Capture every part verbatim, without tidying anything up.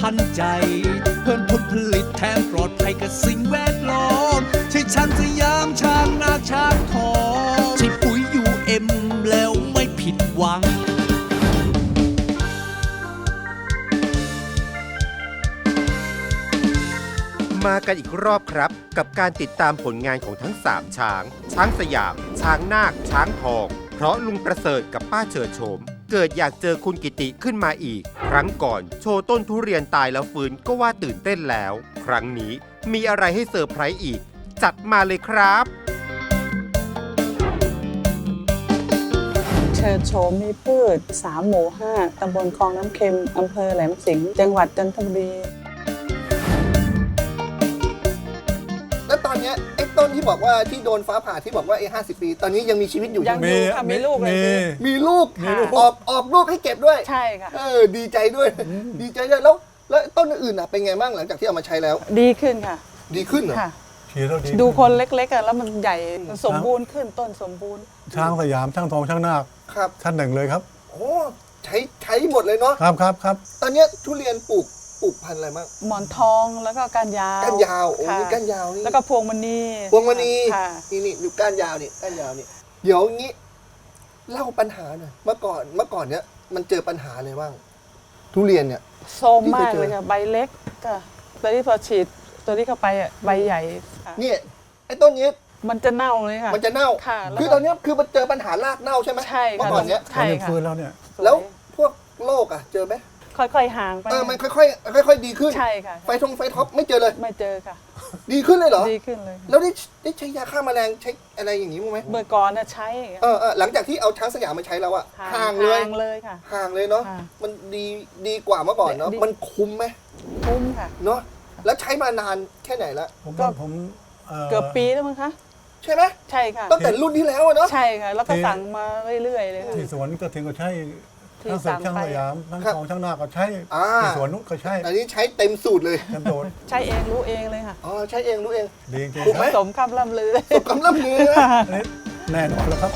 ทันใจเพิ่มผลผลิตแถมปลอดภัยกับสิ่งแวดล้อมใช่ช้างสยามช้างนาช้างทองใช่ปุ๋ยยูเอ็มแล้วไม่ผิดหวังมากันอีกรอบครับกับการติดตามผลงานของทั้งสามช้างช้างสยามช้างนาคช้างทองเพราะลุงประเสริฐกับป้าเฉิดโฉมเกิดอยากเจอคุณกิติขึ้นมาอีกครั้งก่อนโชว์ต้นทุเรียนตายแล้วฟื้นก็ว่าตื่นเต้นแล้วครั้งนี้มีอะไรให้เซอร์ไพรส์อีกจัดมาเลยครับเฉิดโฉมมีพืชสามหมู่ห้าตำบลคลองน้ำเค็มอำเภอแหลมสิงห์จังหวัดจันทบุรีแล้วตอนนี้ไอ้ต้นที่บอกว่าที่โดนฟ้าผ่าที่บอกว่าไอ้ห้าสิบปีตอนนี้ยังมีชีวิตอยู่ยังมีค่ะมีลูกเลยมีลูกออกออกลูกให้เก็บด้วยใช่ค่ะเออดีใจด้วยดีใจด้วยแล้วแล้วต้นอื่นอ่ะเป็นไงบ้างหลังจากที่เอามาใช้แล้วดีขึ้นค่ะดีขึ้นเหรอดูคนเล็กๆอ่ะแล้วมันใหญ่สมบูรณ์ขึ้นต้นสมบูรณ์ช้างสยามช้างทองช้างนาคครับท่านหนึ่งเลยครับโอ้ใช้ใช้หมดเลยเนาะครับครับครับตอนนี้ทุเรียนปลูกปลูกพันธุ์อะไรบ้างหมอนทองแล้วก็ก้านยาวก้านยาวโอ้ยก้านยาวนี่แล้วก็พวงมณีพวงมณีนี่นี่ดูก้านยาวนี่ก้านยาวนี่เดี๋ยวงี้เล่าปัญหาหน่อยเมื่อก่อนเมื่อก่อนเนี้ยมันเจอปัญหาอะไรบ้างทุเรียนเนี่ยโซมมากเลยค่ะใบเล็กก็ตอนที่พอฉีดตัวนี้เข้าไปอ่ะใบใหญ่เนี่ยไอ้ต้นนี้มันจะเน่าเลยค่ะมันจะเน่าคือตอนนี้คือมันเจอปัญหารากเน่าใช่ไหมใช่ค่ะเมื่อก่อนเนี้ยใช่ค่ะฟื้นแล้วเนี่ยแล้วพวกโรคอ่ะเจอไหมค่อยๆห่างไปเออมันค่อยๆค่อยๆดีขึ้นใช่ค่ะไฟทงไฟท็อปไม่เจอเลยไม่เจอค่ะดีขึ้นเลยเหรอดีขึ้นเลยแล้วได้ได้ใช้ยาฆ่าแมลงใช้อะไรอย่างนี้มั้ยไหมเมื่อก่อนน่ะใช้เออเออหลังจากที่เอาช้างสยามมาใช้แล้วอะห่างเลยห่างเลยค่ะห่างเลยเนาะมันดีดีกว่าเมื่อก่อนเนาะมันคุ้มไหมคุ้มค่ะเนาะแล้วใช้มานานแค่ไหนละผมก็ผมเกือบปีแล้วมั้งคะใช่ไหมใช่ค่ะตั้งแต่รุ่นที่แล้วเนาะใช่ค่ะแล้วก็สั่งมาเรื่อยๆเลยค่ะที่สวนก็ถึงก็ใช้ทั้งเสร็จช่างสยามทั้งทองช่างนาก็ใช้ที่สวนนุ๊กก็ใช้อันนี้ใช้เต็มสูตรเลยเต็มสูตรใช้เองรู้เองเลยค่ะอ๋อใช้เองรู้เองดีจริงถูกไหมสมคำล่ำลือสมคำล่ำลือแน่นอนแล้วครับ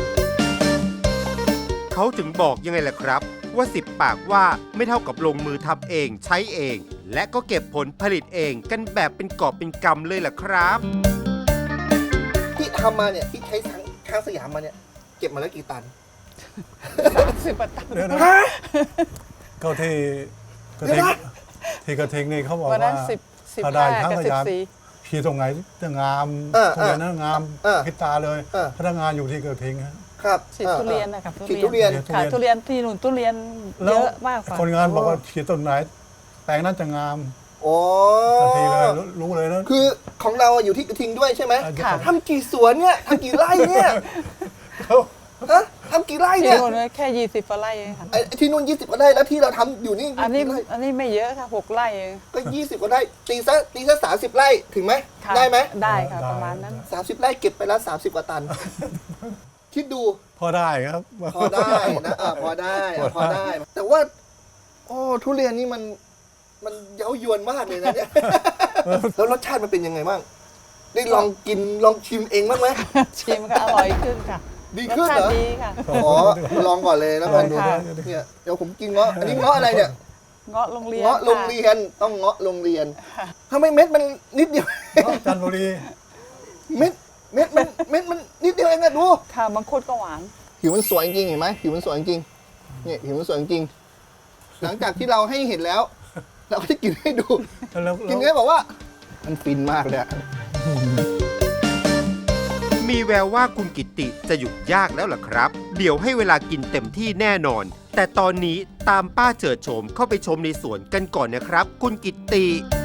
เขาถึงบอกยังไงล่ะครับว่าสิบปากว่าไม่เท่ากับลงมือทำเองใช้เองและก็เก็บผลผลิตเองกันแบบเป็นกอบเป็นกำเลยล่ะครับที่ทำมาเนี่ยที่ใช้ช้างสยามมาเนี่ยเก็บมาแล้วกี่ตันสามสิบตันก็ที่กระทิงที่กระทิงนี่เขาบอกว่าถ้าได้ช้างสยามขี่ตรงไหนจะงามตรงนั้นงามพิตาเลยพนักงานอยู่ที่กระทิงครับฉีดทุเรียนนะครับฉีดทุเรียนค่ะทุเรียนที่หนุนทุเรียนเยอะมากคนงานบอกว่าฉีดต้นไหนแปลงนั้นจะงามโอ้ทันทีเลยรู้เลยนะคือของเราอยู่ที่กระทิงด้วยใช่ไหมทำกี่สวนเนี่ยทำกี่ไร่เนี่ยฮะทำกี่ไร่เนี่ยที่นู่นแค่ยี่สิบไร่ค่ะไอ้ที่นู่นยี่สิบกว่าไร่แล้วที่เราทำอยู่นี่อันนี้อันนี้ไม่เยอะค่ะหกไร่ก็ยี่สิบกว่าไร่ตีซะตีซะสามสิบไร่ถึงไหมได้ไหมได้ค่ะประมาณนั้นสามสิบไร่เก็บไปแล้วสามสิบกว่าตันคิดดูพอได้ครับพอได้นะอ่าพอได้พอได้แต่ว่าโอ้ทุเรียนนี่มันมันเย้ายวนมากเลยนะเนี่ยแล้วรสชาติมันเป็นยังไงบ้างได้ลองกินลองชิมเองบ้างไหมชิมค่ะอร่อยขึ้นค่ะดีขึ้นเหรอดีค่ะขอลองก่อนเลยแล้วกันเนี่ยเดี๋ยวผมกินเงาะอันนี้เงาะอะไรเนี่ยเงาะโรงเรียนเงาะโรงเรียนต้องเงาะโรงเรียนทำไมเม็ดมันนิดเดียวจันทบุรีเม็ดเม็ดมันเม็ดมันนิดเดียวเองอะดูค่ะมังคุดก็หวานผิวมันสวยจริงเห็นไหมผิวมันสวยจริงเนี่ยผิวมันสวยจริงหลังจากที่เราให้เห็นแล้วเราก็จะกินให้ดูกินให้บอกว่ามันฟินมากเลยมีแววว่าคุณกิตติจะหยุดยากแล้วล่ะครับเดี๋ยวให้เวลากินเต็มที่แน่นอนแต่ตอนนี้ตามป้าเฉิดโฉมเข้าไปชมในสวนกันก่อนนะครับคุณกิตติ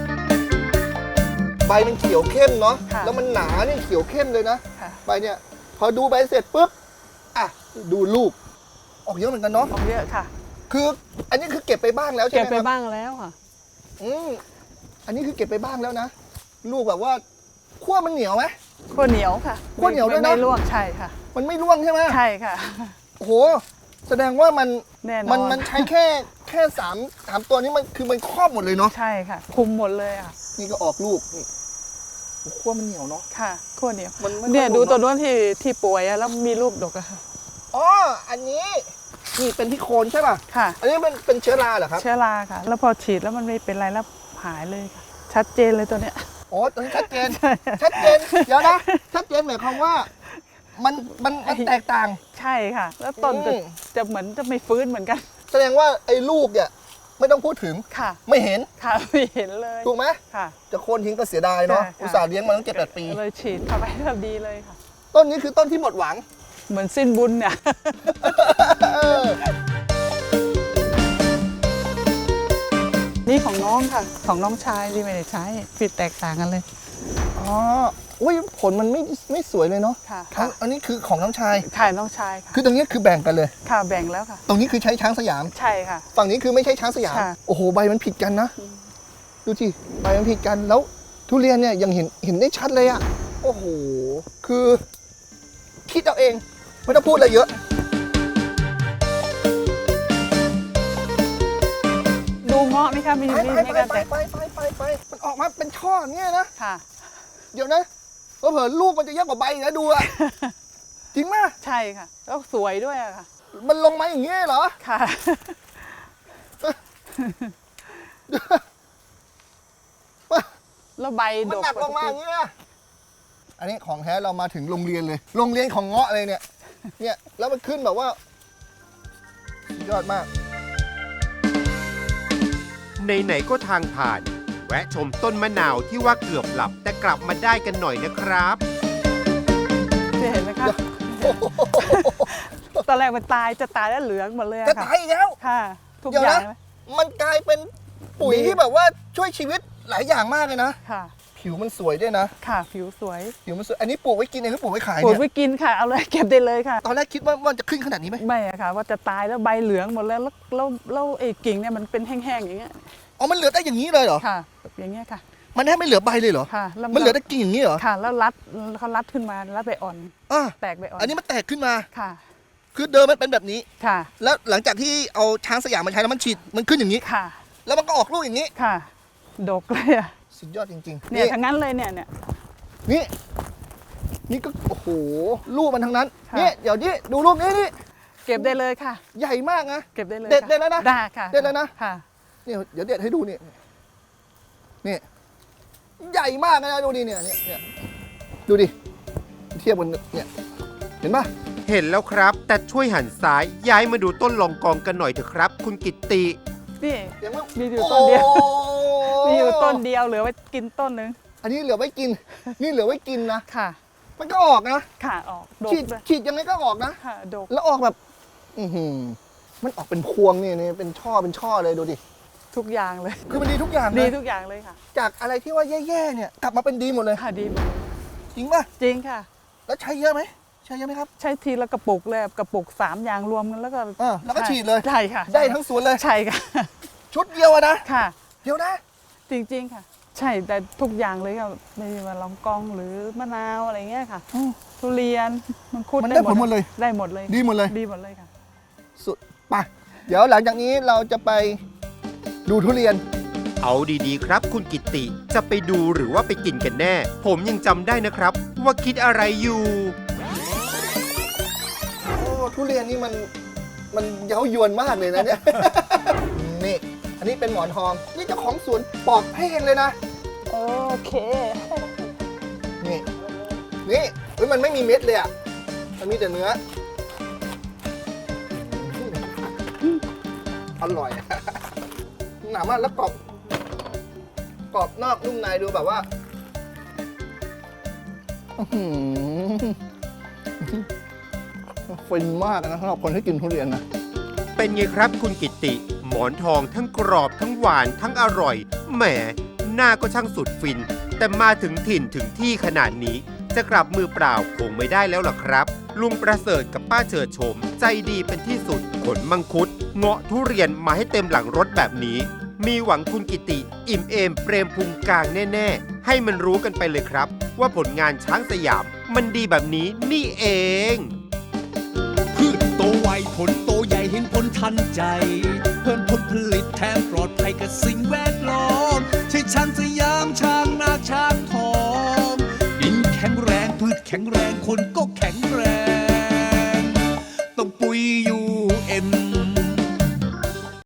ใบมันเขียวเข้มเนาะแล้วมันหนาเนี่ยเขียวเข้มเลยนะใบเนี่ยพอดูใบเสร็จปุ๊บอ่ะดูลูกออกเยอะเหมือนกันเนาะออกเยอะค่ะคืออันนี้คือเก็บไปบ้างแล้วใช่ไหมเก็บไปบ้างแล้วค่ะอืมอันนี้คือเก็บไปบ้างแล้วนะลูกแบบว่าขั้วมันเหนียวไหมขั้วเหนียวค่ะขั้วเหนียวด้วยนะไม่ร่วงใช่ค่ะมันไม่ร่วงใช่ไหมใช่ค่ะโอ้โหแสดงว่ามันมันมันใช้แค่แค่สามสามตัวนี้มันคือมันครอบหมดเลยเนาะใช่ค่ะคุมหมดเลยอ่ะนี่ก็ออกลูกนี่ขั้วมันเหนียวเนาะค่ะขั้วเหนียวเนี่ยดูตัวนู้นที่ที่ป่วยแล้วมีลูกดกอะค่ะอ๋ออันนี้นี่เป็นที่โคนใช่ป่ะค่ะอันนี้มันเป็นเชื้อราเหรอครับเชื้อราค่ะ แล้วพอฉีดแล้วมันไม่เป็นไรแล้วหายเลยค่ะ ชัดเจนเลยตัวเนี้ยอ๋อตอนนี้ชัดเจน ชัดเจน เดี๋ยวนะ ชัดเจนหมายความว่า มัน มันมันแตกต่างใช่ค่ะ แล้วต้นก็อืมจะเหมือนจะไม่ฟื้นเหมือนกันแสดงว่าไอ้ลูกเนี่ยไม่ต้องพูดถึงค่ะไม่เห็นค่ะไม่เห็นเลยถูกไหมค่ะจะโค่นทิ้งก็เสียดายเนาะค่ะอุตส่าห์เลี้ยงมาตั้งเจ็ดแปดปีเลยฉีดเข้าไปก็ดีเลยค่ะต้นนี้คือต้นที่หมดหวังเหมือนสิ้นบุญเนี่ย นี่ของน้องค่ะ ของน้องชายที่ไม่ได้ใช้ผิดแตกต่างกันเลยอ๋อ อุ้ยผลมันไม่ไม่สวยเลยเนาะค่ะทั้งอันนี้คือของน้องชายถ่ายน้องชายค่ะคือตรงนี้คือแบ่งกันเลยค่ะแบ่งแล้วค่ะตรงนี้คือใช้ช้างสยามใช่ค่ะฝั่งนี้คือไม่ใช่ช้างสยามค่ะโอ้โห ใบมันผิดกันนะ ดูสิใบมันผิดกัน แล้วทุเรียนเนี่ยยังเห็นเห็นได้ชัดเลยอะโอ้โห คือ คิดเอาเอง ไม่ต้องพูดอะไรเยอะดูเงาะไหมคะมีไปมีไปมีไปการไปแตกไปไปไปไปมันออกมาเป็นช่ออย่างเงี้ยนะค่ะเดี๋ยวนะเผลอๆลูกมันจะเยอะกว่าใบอีกนะดูอะ จริงมากใช่ค่ะแล้วสวยด้วยอะค่ะมันลงมาอย่างเงี้ยเหรอค่ะ แล้วใบมันดกหนักลงมาอย่างเงี้ยอันนี้ของแท้เรามาถึงโรงเรียนเลย โรงเรียนของเงาะเลยเนี่ย เนี่ย แล้วมันขึ้นแบบว่าสุดยอดมากไหนๆก็ทางผ่าน แวะชมต้นมะนาวที่ว่าเกือบหลับแต่กลับมาได้กันหน่อยนะครับเห็นไหมคะ ตอนแรกมันตายจะตายแล้วเหลืองหมดเลยอะจะค่ะตายอีกแล้วค่ะ ทุกเดี๋ยวอย่านะงเลยมันกลายเป็นปุ๋ยดีที่แบบว่าช่วยชีวิตหลายอย่างมากเลยนะค่ะผิวมันสวยด้วยนะค่ะผิวสวยผิวมันสวย อันนี้ปลูกไว้กินเองหรือปลูกไว้ขายปลูกเนี่ยไว้กินค่ะ เอาเลยเก็บได้เลยค่ะตอนแรกคิดว่ามันจะขึ้นขนาดนี้ไหมไม่อะค่ะ ว่าจะตายแล้วใบเหลืองหมดแล้วแล้วแล้วแล้วไอ้กิ่งเนี่ยมันเป็นแห้งๆอย่างเงี้ยอ๋อ มันเหลือได้อย่างนี้เลยเหรอค่ะแบบอย่างเงี้ยค่ะมันแทบไม่เหลือใบเลยเหรอค่ะแล้วมันเหลือแต่กิ่งอย่างนี้เหรอค่ะ แล้วรัดเขารัดขึ้นมารัดใบอ่อนอ่ะแตกใบอ่อนอันนี้มันแตกขึ้นมาค่ะคือเดิมมันเป็นแบบนี้ค่ะแล้วหลังจากที่เอาช้างสยามมาใช้แล้วมันฉีด มันขึ้นอย่างนี้ค่ะแล้วมันก็ออกลูกอย่างนี้ค่ะ ดกเลยอะสุดยอดจริงๆเนี่ยทั้งนั้นเลยเนี่ยเนี่ยนี่ นี่ก็ โอ้โห ลูกมันทั้งนั้นค่ะนี่ เดี๋ยวนี่ดูลูกนี้นี่เก็บได้เลยค่ะใหญ่มากนะเก็บได้เลยเด็ดค่ะเลยนะนะได้ค่ะเด็ดเลยนะค่ะนี่เดี๋ยวเด็ดให้ดูนี่ นี่ใหญ่มากนะดูดิเนี่ยเนี่ยเนี่ยดูดิ เทียบกันเนี่ย เห็นปะเห็นแล้วครับ แต่ช่วยหันซ้ายย้ายมาดูต้นลองกองกันหน่อยเถอะครับ คุณกิตตินี่เห็นปะมีอยู่ต้นเดียวโอ้มีอยู่ต้นเดียวเหลือไว้กินต้นหนึ่งอันนี้เหลือไว้กิน นี่เหลือไว้กินนะค่ะมันก็ออกนะค่ะออกดกฉีดเลยฉีดยังไงก็ออกนะค่ะดกแล้วออกแบบ อือหือมันออกเป็นพวงนี่นี่เป็นช่อเป็นช่อเลยดูดิทุกอย่างเลยคือมันดีทุกอย่างดีนะทุกอย่างเลยค่ะจากอะไรที่ว่าแย่ๆเนี่ยกลับมาเป็นดีหมดเลยค่ะดีหมดเลยจริงป่ะจริงค่ะแล้วใช้เยอะไหมใช้เยอะไหมครับใช้ทีละกระปุกเลยกระปุกสามอย่างรวมกันแล้วก็อ่าแล้วก็ฉีดเลยใช่ค่ะได้ทั้งสวนเลยใช่ค่ะชุดเดียวอะนะค่ะเดี๋ยวนะจริงๆค่ะ ใช่แต่ทุกอย่างเลยค่ะไม่ว่าลองกองหรือมะนาวอะไรเงี้ยค่ะอืมทุเรียนมังคุดมันได้ผลหมดเลยได้หมดเลยดีหมดเลยดีหมดเลยค่ะสุดไปเดี๋ยวหลังจากนี้เราจะไปดูทุเรียนเอาดีๆครับ คุณกิตติจะไปดูหรือว่าไปกินกันแน่ ผมยังจำได้นะครับ ว่าคิดอะไรอยู่โอ้ทุเรียนนี่มันมันเย้ายวนมากเลยนะเนี่ย นี่ อันนี้เป็นหมอนทอง นี่เจ้าของสวนปอกให้เองเลยนะโอเคนี่ นี่เฮ้ยมันไม่มีเม็ดเลยอ่ะ มันมีแต่เนื้ออืมอร่อย หนามากแล้วกรอบ กรอบนอกนุ่มในดูแบบว่าอื้อหือฟินมากนะสำหรับคนที่กินทุเรียนนะเป็นไงครับคุณกิตติ หมอนทองทั้งกรอบทั้งหวานทั้งอร่อย แหมหน้าก็ช่างสุดฟิน แต่มาถึงถิ่นถึงที่ขนาดนี้ จะกลับมือเปล่าคงไม่ได้แล้วล่ะครับ ลุงประเสริฐกับป้าเฉิดโฉมใจดีเป็นที่สุดขนมังคุด เงาะทุเรียนมาให้เต็มหลังรถแบบนี้ มีหวังคุณกิติ อิ่มเอมเปรมพุงกลางแน่ๆ ให้มันรู้กันไปเลยครับ ว่าผลงานช้างสยามมันดีแบบนี้นี่เองพืชโตไวผลโตใหญ่เห็นผลทันใจ เพิ่มผลผลิตแถมปลอดภัยกับสิ่งแวดล้อมใช่ช้างสยามช้างนาช้างทองดินแข็งแรงพืชแข็งแรงคนก็แข็งแรง